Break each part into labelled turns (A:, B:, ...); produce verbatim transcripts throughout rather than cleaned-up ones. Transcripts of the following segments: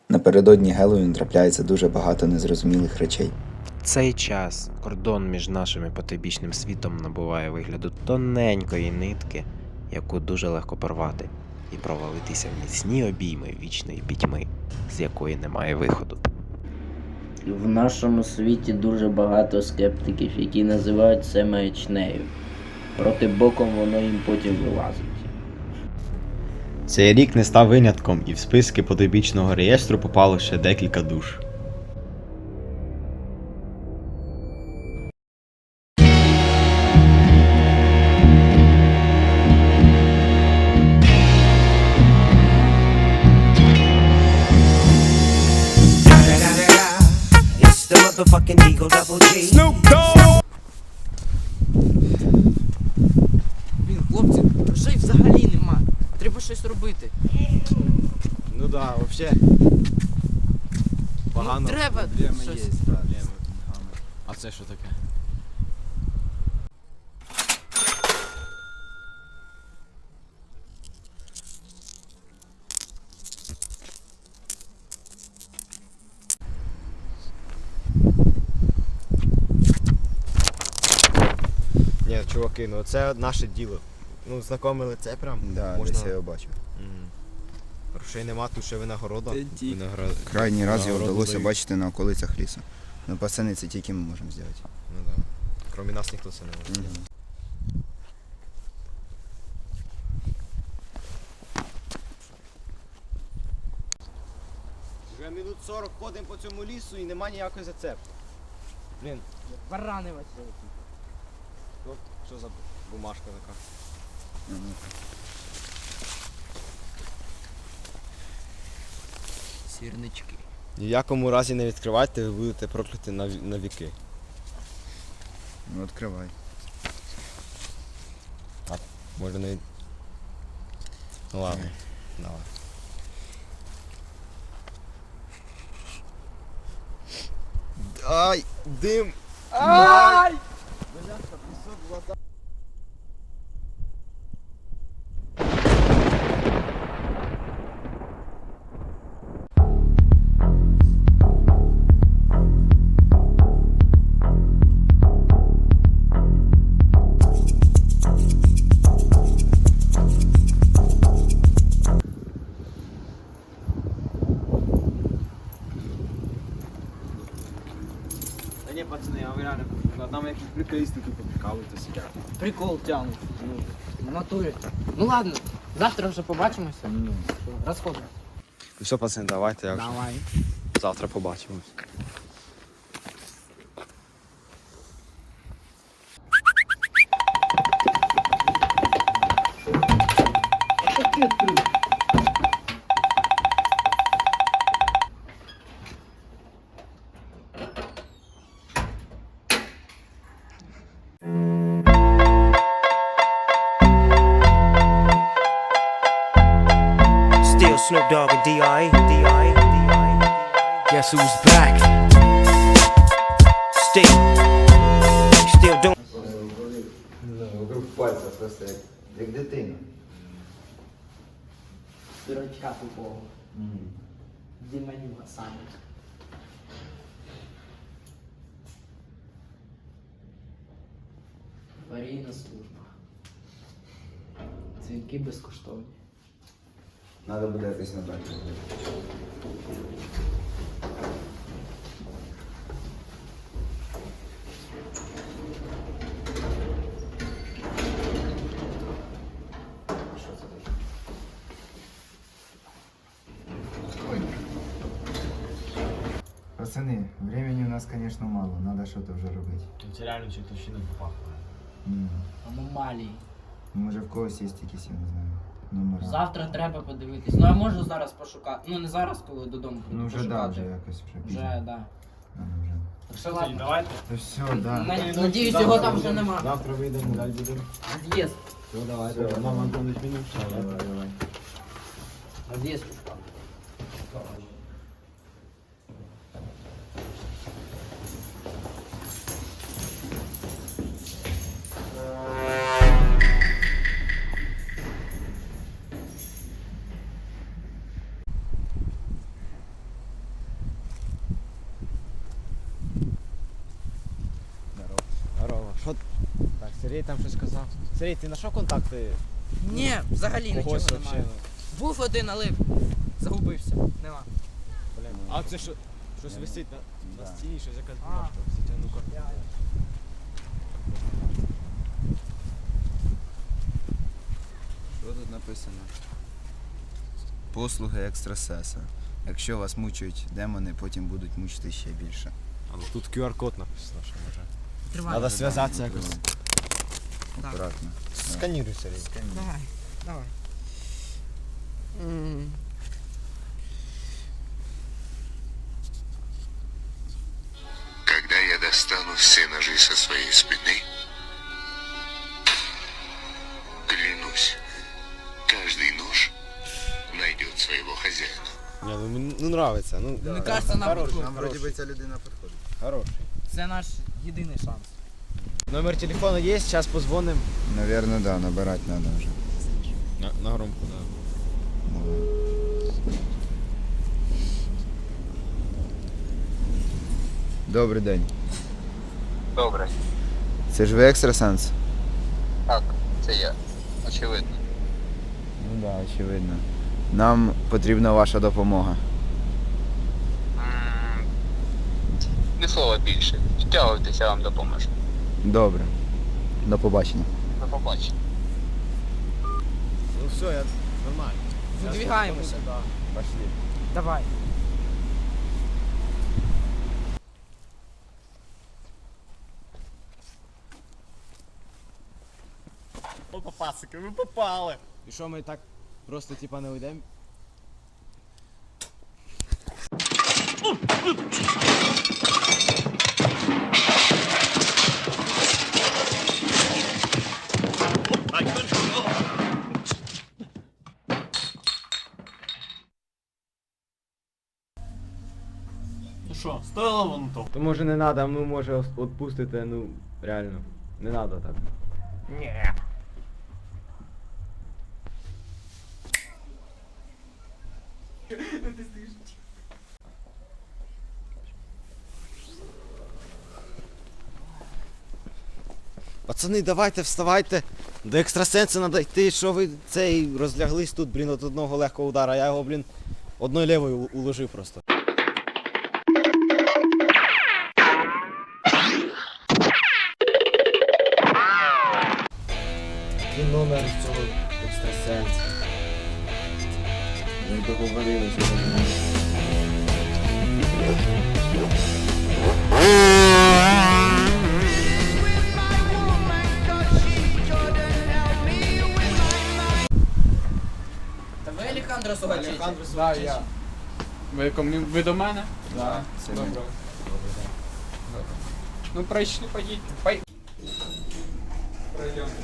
A: Напередодні Геловін трапляється дуже багато незрозумілих речей.
B: В цей час кордон між нашим і потойбічним світом набуває вигляду тоненької нитки, яку дуже легко порвати і провалитися в міцні обійми вічної пітьми, з якої немає виходу.
C: В нашому світі дуже багато скептиків, які називають це маячнею. Проти боком воно їм потім вилазить.
D: Цей рік не став винятком, і в списки потойбічного реєстру попало ще декілька душ.
E: Блін, хлопці, грошей взагалі нема. Треба щось робити.
D: Ну да, вообще.
E: Ну, треба щось.
D: А це що таке? Ні, чуваки, ну це наше діло. Ну, знакомили це прям.
A: Да,
D: можна...
A: десь я його бачив.
D: Мгм. Грошей нема, тут ще винагорода. Винагра...
A: Крайній раз його
D: Нагороду
A: вдалося
D: дають.
A: бачити на околицях лісу. Ну, пацани, це тільки ми можемо зробити.
D: Ну да. Кроме нас ніхто це не може.
A: Мгм.
D: Вже минут сорок ходимо по цьому лісу і нема ніякої зацепки. Блін,
E: Барани Василь.
D: ну, що за бумажка така?
A: Мгм.
E: Сірнички.
D: Ні в якому разі не відкривайте, ви будете прокляті на, ві- на віки.
A: Ну, відкривай.
D: Може не... Ну ладно, давай. Ай, дим!
E: Ай!
D: Та ні, пацани, я вам реально кажу, над нами якісь приколісти тут прикалуються сидять.
E: Прикол тягнуть. В натурі. Ну ладно, завтра вже побачимося.
A: Ну.
E: Розходимо.
D: Ну все, пацани, давайте, я вже
E: Давай.
D: завтра побачимось.
F: Still Snoop Dogg and D R E. D R E. D R E.
E: Guess who's back?
F: Still. Still doing.
A: Вокруг пальця просто як, як дитина.
E: Дурачка тупого. Діманюга саме. Аварійна служба. Дзвінки безкоштовні.
A: Надо буде якось набрати.
E: Що це таке?
A: Пацани, времени у нас, конечно, мало, надо что-то вже робити.
D: Це реально чертовщина попахує.
A: М.
E: Аномалії.
A: Може в когось є якісь, я не знаю, номера.
E: Завтра треба подивитись. Ну я можу зараз пошукати. Ну не зараз, коли додому прийду
A: Ну вже
E: пошукати.
A: да, вже якось вже пізно.
E: Вже, да.
A: Надо вже.
E: Так що ладно.
D: Давайте.
A: Та все, да.
E: На- Надіюсь, його там вже нема.
D: Завтра вийдемо, далі будемо.
E: З'їзд.
D: Все, давайте.
A: Все.
D: Мама, Антонович, мінус.
A: Давай, давай.
E: З'їзд пішла.
D: Так, Сергій там щось сказав. Сергій, ти знайшов контакти?
E: Ні, взагалі нічого
D: Когось
E: немає.
D: взагалі?
E: Був один, але загубився. Нема.
D: Блін. А це що? Щось висить на, на стіні, щось якась
E: А.
D: бумажка висить. А ну-ка.
G: Що тут написано? Послуги екстрасеса. Якщо вас мучують демони, потім будуть мучити ще більше.
D: Але тут ку ар код написано, що може.
E: Тривай.
D: Треба зв'язатися якось.
E: Так.
G: Акуратно.
D: Сканіруй, Сергій.
E: Давай, давай. М.
H: Когда я достану все ножи со своей спины, клянусь, каждый нож найдет своего хозяина.
D: Ні, ну мені ну, нравиться. Ну,
E: Мені кажеться, нам
D: хороший,
E: підходить.
G: Нам вроді би ця людина підходить.
D: Хороший.
E: Це наш єдиний шанс.
D: Номер телефону є, зараз позвонимо.
G: Навірно, да, набирати треба вже.
D: На, на громку, так.
G: Добрий день.
H: Добре.
G: Це ж ви екстрасенс?
H: Так, це я. Очевидно.
G: Ну так, да, очевидно. Нам потрібна ваша допомога.
H: Не слова більше. Втягуйтеся, я вам допоможу.
G: Добре. До побачення.
H: До побачення.
D: Ну все, я нормально.
E: Видвигаємося.
D: Пошли.
E: Давай.
D: Опа, пасики, ви попали. І що, ми так просто типа не уйдемо?
I: Що, стоїло воно того?
D: То може не треба, ну може відпустити, ну реально. Не треба так.
I: Ні.
D: Пацани, давайте, вставайте. До екстрасенса треба йти, що ви цей розляглись тут, блін, от одного легкого удара. Я його, блін, одною лівою у- уложив просто. Який номер цього екстрасенса?
C: Ми договорилися.
E: Та ви Алехандро Сугачич?
I: Да, я. Ви, кому- ви до мене?
G: Да, це ми.
I: Добре. Ну пройшли, поїдьте. Пой... Пройдемо.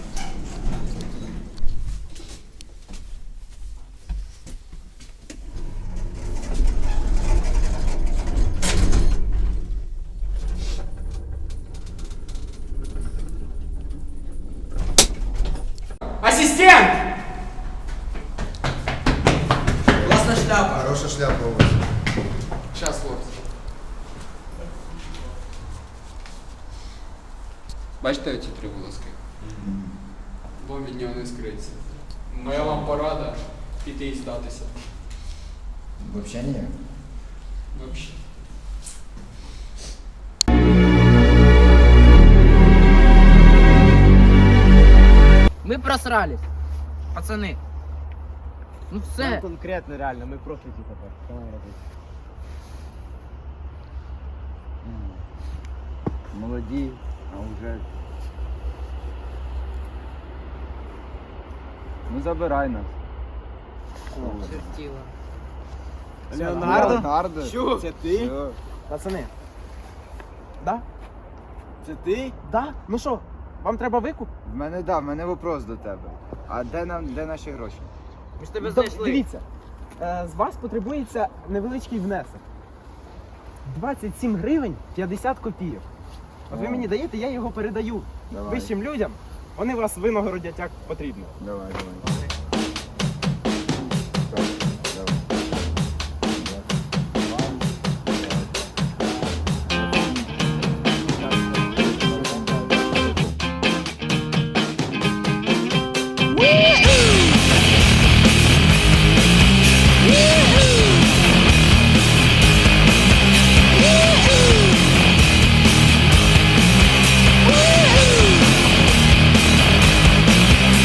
I: Ассистент!
E: Класна шляпа.
G: Хороша шляпа у вас.
I: Сейчас, хлопці. Бачите оці три волоски? Бо від нього не скриться. Моя вам порада піти і здатися.
G: Взагалі ні.
I: Вообще.
E: Ми просрались. Пацани. Ну все.
D: Нам конкретно реально, ми профіки тепер. Що нам робити?
G: Молоді, а вже. Ну забирай нас.
E: Чертіла.
D: Леонардо?
G: Леонардо?
D: Що? Це ти?
G: Все.
J: Пацани. Да?
D: Це ти?
J: Да? Ну що, вам треба викуп?
G: В мене да, в мене вопрос до тебе. А де нам де наші гроші?
E: Ми ж тебе
J: Д-
E: знайшли.
J: Дивіться, е, з вас потребується невеличкий внесок. двадцять сім гривень п'ятдесят копійок. От ви
G: О.
J: мені даєте, я його передаю
G: Давай.
J: вищим людям. Вони вас винагородять як потрібно.
G: Давай, давай.